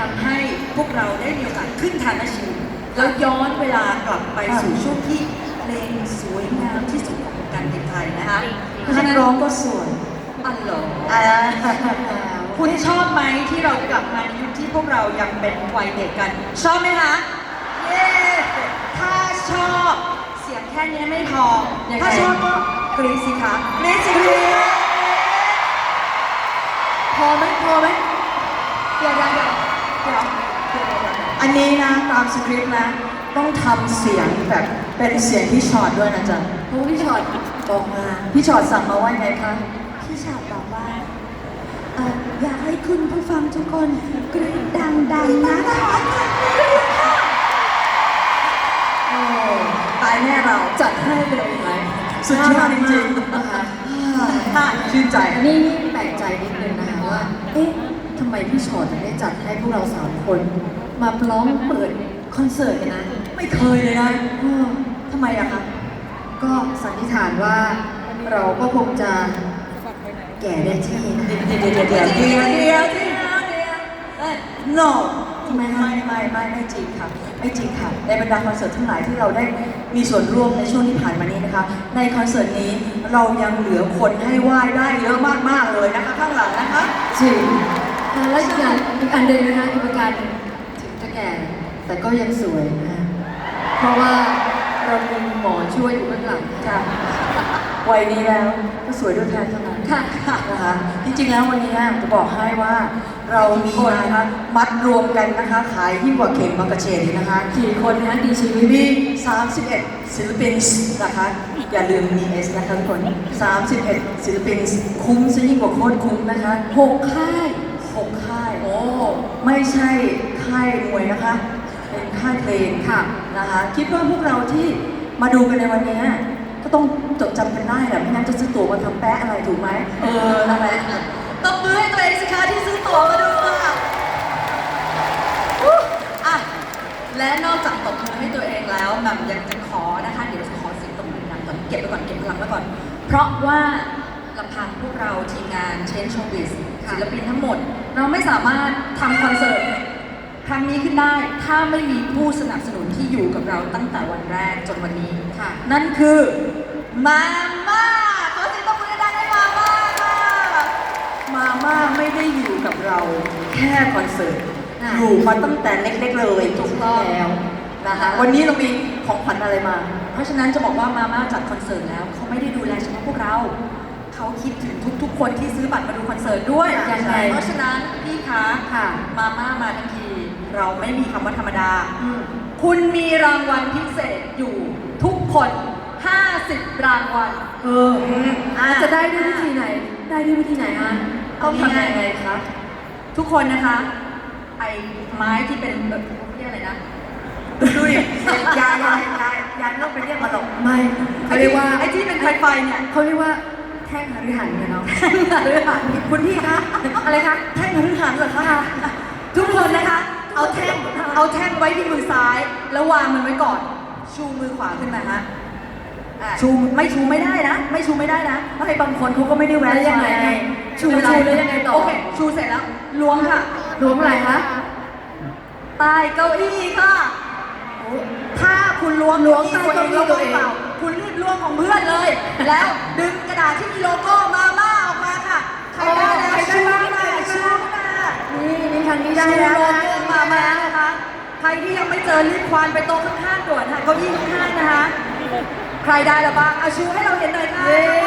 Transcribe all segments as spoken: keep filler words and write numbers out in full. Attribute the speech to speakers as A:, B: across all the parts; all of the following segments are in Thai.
A: ำให้พวกเราได้มีโอกาสขึ้นทานอาชีพแล้วย้อนเวลากลับไปสู่ช่วงที่เพลงสวยงามที่สุดของวงการเพลงไทยนะคะนักร้องก็สวยอันหรออ่าคุณชอบไหมที่เรากลับมาในยุคที่พวกเรายังเป็นวัยเด็กกัน ชอบไหมคะเย้ถ้าชอบเสียงแค่นี้ไม่พอถ้าชอบก็กรี๊ดสิคะกรี๊ดสิกรี๊ดพอไหมพอไหมเดี๋ยวเดี๋ยวเดี๋ยวเดี๋ยวเดี๋ยวเดี๋ยวอันนี้นะตามสคริปต์นะต้องทำเสียงแบบเป็นเสียงพี่ชอตด้วยนะจ๊ะเพราะพี่ชอตบอกมาพี่ชอตสั่งมาว่าไงคะพี่ชอตบอกว่าเอ่ออยากให้คุณผู้ฟังทุกคนกรี๊ดดังๆนะคะโอ้ตายแน่เราจัดให้ไปเลยไหมสุดยอดจริงๆนะคะชื่นใจ
B: นี่นี่แปลกใจนิดนึงนะคะว่า เอ๊ะทำไมพี่ชอตถึงได้จัดให้พวกเราสามคน มาร้องเปิดคอนเสิร์ตกันนะ
A: ไม่เคยเลยนะเออทำไมอะคะ
B: ก็สันนิษฐานว่าเราก็คงจะแก่ได้ที่นะ
A: เดี๋ยวเดี๋ยวเดี๋ยวเดี๋ยวเดี๋ยวเดี๋ยวเดี๋ยวเอ้ย no ทำไมไม่ไม่ไม่ไม่จริงค่ะไม่จริงค่ะในบรรดาคอนเสิร์ตทั้งหลายที่เราได้มีส่วนร่วมในช่วงที่ผ่านมานี้นะคะในคอนเสิร์ตนี้เรายังเหลือคนให้ไหว้ได้เยอะมากๆเลยนะคะข้างหลังนะคะ
B: จริงแล้วอีกอย่างอีกอันหนึ่งนะคะอีกประการหนึ่งถึงจะแก่แต่ก็ยังสวยนะเพราะว่าเรามีหมอช่วยอยู่เบื้องหลัง
A: ค่ะวัยนี้แล้วก็สวยด้วยแทนเท่านั้น
B: ค่ะ
A: นะคะจริงๆแล้ววันนี้จะบอกให้ว่าเรามีนะคะมัดรวมกันนะคะขายยิ่งกว่าเข็มมากระเฉดอีกนะคะ
B: กี่คนนะดีชีวิต
A: มีสามสิบเอ็ดศิลปินนะคะอย่าลืมมีเอสนะคะทุกคนสามสิบเอ็ดศิลปินคุ้มซะยิ่งกว่าโคตรคุ้มนะคะ
B: หกค่าย
A: หกค่ายโอ้ไม่ใช่ค่ายมวยนะคะเป็นค่ายเพลงค่ะนะคะคิดว่าพวกเราที่มาดูกันในวันนี้ก็ต้องจดจำกันได้แหละไม่งั้นจะซื้อตั๋วมาทำแปะอะไรถูกไหมเออนั่นแหละตบมือให้ตัวเองสิคะที่ซื้อตั๋วมาดูค่ะอ่ะและนอกจากตบมือให้ตัวเองแล้วแหม่มยังจะขอนะคะเดี๋ยวจะขอเสียงตบมือดังก่อนเก็บไปก่อนเก็บพลังไว้ก่อน เพราะว่าลำพังพวกเราทีมงานเชนโชว์บิสศิลปินทั้งหมด เราไม่สามารถทำคอนเสิร์ตครั้งนี้ขึ้นได้ถ้าไม่มีผู้สนับสนุนที่อยู่กับเราตั้งแต่วันแรกจนวันนี้ค่ะนั่นคือมาม่าขอเสียงตบมือดังให้มาม่าค่ะมาม่าไม่ได้อยู่กับเราแค่คอนเสิร์ตอยู่มาตั้งแต่เล็กๆเลยถูกต้องแล้วนะคะวันนี้เรามีของขวัญอะไรมา เพราะฉะนั้นจะบอกว่ามาม่าจัดคอนเสิร์ตแล้วเขาไม่ได้ดูแลเฉพาะพวกเราเขาคิดถึงทุกๆคนที่ซื้อบัตรมาดูคอนเสิร์ตด้วยอย่างไรเพราะฉะนั้นพี่คะค่ะมาม่ามาทั้งทีเราไม่มีคำว่าธรรมดาคุณมีรางวัลพิเศษอยู่ทุกคนห้าสิบรางวัลเออ
B: จะได้ด้วยวิธีไหน ได้ด้วยวิธีไหนอ่ะ
A: ต้องทำยังไงคะทุกคนนะคะไอ้ไม้ที่เป็นแบบเรียกอะไรนะดูดิยายยายยายยายต้องไปเรียกมาหรอก
B: ไม่เขาเรียกว่า
A: ไอ้ที่เป็นไฟไฟเนี่ย
B: เขาเรียกว่าแท่งหฤหันเนี่ยเนาะแท่งหฤหันคุณพี่คะอะไรคะ
A: แท่งหฤหันเหรอคะทุกคนนะคะเอาแท่งเอาแท่งไว้ที่มือซ้ายแล้ววางมันไว้ก่อนชูมือขวาขึ้นมาฮะชูไม่ชูไม่ได้นะ ไม่ชูไม่ได้นะเพราะไอ้บางคนเขาก็ไม่ได้แวะ
B: ยังไงชูชูแล้วยังไงต่อ
A: โอเคชูเสร็จแล้วล้วงค่ะ
B: ล้วงอะไรคะ
A: ใต้เก้าอี้ค่ะถ้าคุณล้วง
B: ล้วงใต้เก้าอี้ตัวเอง
A: คุณรีบล้วงของเพื่อนเลย แล้วดึงกระดาษที่มีโลโก้มาม่าออกมาค่ะใครได้แล้วชูมาชูมา
B: นี่นี่ทางนี้ได้
A: ชู
B: แล้ว
A: โลโก้มาม่านะคะใครที่ยังไม่เจอรีบควานไปโต๊ะข้างๆด่วนค่ะเก้าอี้ข้างๆนะคะใครได้แล้วบ้างเอาชูให้เราเห็นหน่อยค่ะ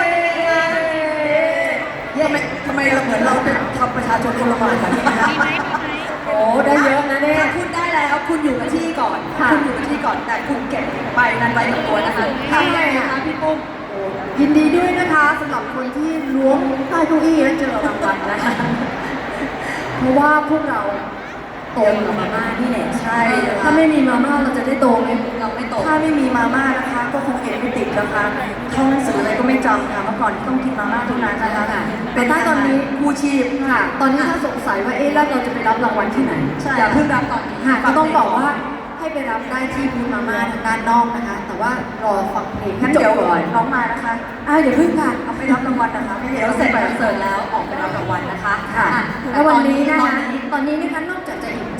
A: ทำไมทำไมเราเหมือนเราเป็นทำประชาชนคนละหมาดกันเนี่ย
B: โอ้ได้เยอะนะเนี่ย
A: ถ้าคุณได้แล้วคุณอยู่กับที่ก่อนคุณอยู่กับที่ก่อนแต่คุณเก็บใบนั้นไว้กับตัวนะคะทำไงคะพี่ปุ้ม
B: ยินดีด้วยนะคะสำหรับคนที่ล้วงใต้เก้าอี้แล้วเจอรางวัลนะคะเพราะว่าพวกเราโตกับมาม่านี่แหละ
A: ใช่
B: ถ้าไม่มีมาม่าเราจะได้โตไหม
A: เราไม่โตถ้าไม่มีมาม่านะคะก็คงเอ็นไม่ติดนะคะท่องหนังสืออะไรก็ไม่จำค่ะเมื่อก่อนต้องกินมาม่าทุกนั้นนะคะ
B: เป็นถ้าตอนนี้
A: กู้ชีพ
B: ค่ะตอนนี้ถ้าสงสัยว่าเอ๊ะแล้วเราจะไปรับรางวัลที่ไหน
A: อย่าเพิ่งรับตอนนี้
B: ค่ะก็ต้องบอกว่าให้ไปรับได้ที่บูธมาม่าทางด้านนอกนะคะแต่ว่ารอฟังเพลง
A: ให้จบก่อนน้องมานะคะ
B: อ่าเดี๋ยวเพิ่งค่ะ
A: เอาไปรับรางวัลนะคะเดี๋ยวเสร็จคอนเสิร์ตแล้วออกไปรับรางวัลนะคะ
B: ค่ะแล้ววันนี้นะคะตอนนี้นะคะนอกจากจะอิ่มใจ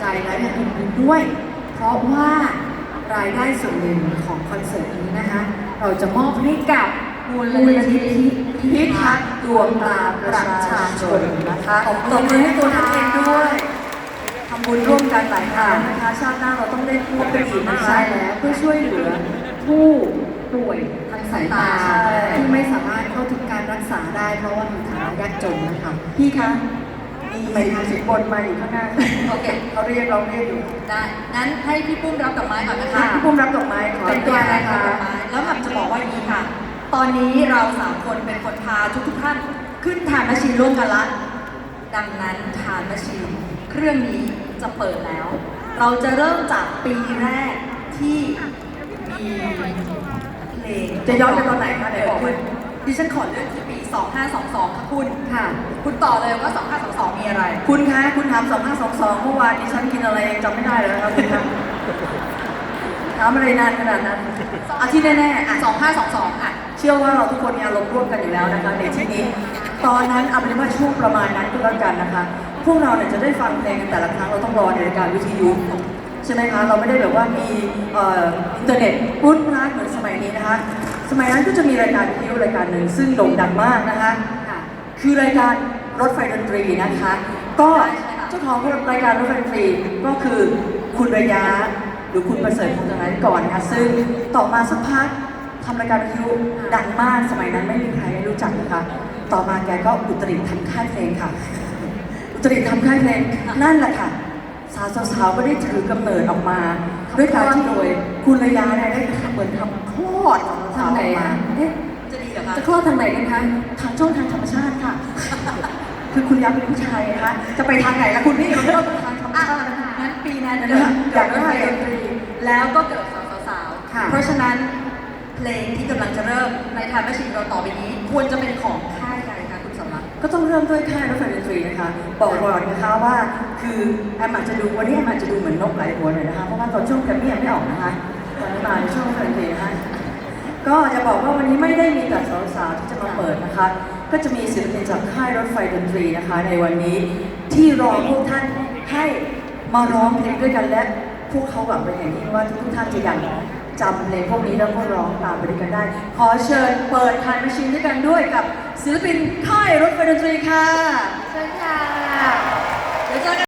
B: และอย่างอื่นๆด้วย เพราะว่ารายได้ส่วนหนึ่งของคอนเสิร์ตนี้นะคะ เราจะมอบให้กับมูลนิธิพิทักษ์ดวงตาประชาชนนะคะตบมือให้ตัวท่านเองด้วยทำบุญร่วมกันหลายครั้งนะคะชาติหน้าเราต้องได้ร่วมกันอีกนะคะใช่แล้วเพื่อช่วยเหลือผู้ป่วยทางสายตาที่ไม่สามารถเข้าถึงการรักษาได้เพราะว่ามีฐานะยากจนนะคะพี่คะมีหมายถึงสิบบนมาอยู่ข้างหน้าค่ะ
A: โอเค
B: เขาเรียกเราเรียกอยู่
A: ได้ งั้นให้พี่ปุ้มรับดอกไม้ก่อนนะคะ
B: พี่ปุ้มรับดอกไม้ขอ
A: เป็นตัวแทน
B: ค่ะ
A: รับดอกไม้แล้วแบบจะบอกว่าอย่างนี้ค่ะ ตอนนี้เราสามคนเป็นคนพาทุกทุกๆท่านขึ้นทานแมชชีนร่วมกันละ ดังนั้นทานแมชชีนเครื่องนี้จะเปิดแล้ว เราจะเริ่มจากปีแรกที่มีเพลง
B: จะย้อนไปตอนไหนคะไหนบอกมา
A: ดิฉันขอเลือกที่ปี สองห้าสองสอง ค่ะคุณ
B: ค่ะ
A: คุณต่อเลยว่า สองห้าสองสอง มีอะไร
B: คุณคะคุณถามสองห้าสองสองเมื่อวานดิฉันกินอะไรยังจำไม่ได้เลยนะครับคุณคะถามอะไรนานขนาดนั้นอาที่แน่ๆอ่ะ
A: สองห้าสองสอง อ่ะ
B: เชื่อว่าเราทุกคนมีอารมณ์ร่วมกันอยู่แล้วนะคะในที่นี้ ตอนนั้นเอาเป็นว่าช่วงประมาณนั้นก็แล้วกันนะคะ พวกเราเนี่ยจะได้ฟังเพลงกันแต่ละครั้งเราต้องรอในรายการวิทยุใช่ไหมคะ เราไม่ได้แบบว่ามีเอ่ออินเทอร์เน็ตรุ่นร้านเหมือนสมัยนี้นะคะ สมัยนั้นก็จะมีรายการวิทยุรายการหนึ่งซึ่งโด่งดังมากนะคะ คือรายการรถไฟดนตรีนะคะ ก็เจ้าของรายการรถไฟดนตรีก็คือคุณระยะหรือคุณประเสริฐพงษ์ธนาธิก่อนนะคะซึ่งต่อมาสักพักทำรายการวิทยุดังมากสมัยนั้นไม่มีใครไม่รู้จักนะคะ ต่อมาแกก็อุตริทำค่ายเพลงค่ะ อุตริทำค่ายเพลงนั่นแหละค่ะ สาวๆก็ได้ถือกำเนิดออกมา ด้วยการที่โดยคุณระยะเนี่ยได้ทำเหมือนทำคลอดของสาวออกมาเอ๊ะ
A: จะดีเหรอคะ
B: จะคลอดทางไหนกันคะ ทางช่องทางธรรมชาติค่ะ คือคุณยักษ์เป็นผู้ชายนะคะ จะไปทางไหนล่ะคุณพี่มันก็ต้องทางธรรม
A: อ่ะ
B: ชาตินะคะ
A: งั้นปีนั้น
B: นะ
A: เกิด
B: คะอยากได้
A: ด
B: ด
A: น
B: น
A: ต
B: ต
A: รี
B: รี
A: แล้วก็เกิดสาวๆ
B: ค่ะ
A: ๆเพราะฉะนั้นเพลงที่กำลังจะเริ่มในทางแมชชีนเราต่อไปนี้ ควรจะเป็นของค่ายใดคะคุณสำรัก
B: ก็ต้องเริ่มด้วยค่ายรถไฟดนตรีนะคะ บอกก่อนนะคะว่า คือแอมอาจจะดูวันนี้แอมอาจจะดูเหมือนนกหลายหัวหน่อยนะคะ เพราะว่าตอนช่วงแกรมมี่ยังไม่ออกนะคะตอนนี้มาในช่วงรถไฟดนตรีนะคะ ก็จะบอกว่าวันนี้ไม่ได้มีแต่สาวๆที่จะมาเปิดนะคะ ก็จะมีศิลปินจากค่ายรถไฟดนตรีนะคะ ในวันนี้ที่รอพวกท่านให้มาร้องเพลงด้วยกันและพวกเขาหวังเป็นอย่างยิ่งว่าทุกท่านจะยังจำเพลงพวกนี้แล้วก็ร้องตามไปด้วยกันได้ ขอเชิญเปิดทานแมชชีนด้วยกันด้วยกับศิลปินค่ายรถไฟดนตรีค่ะ
C: เชิญค่ะ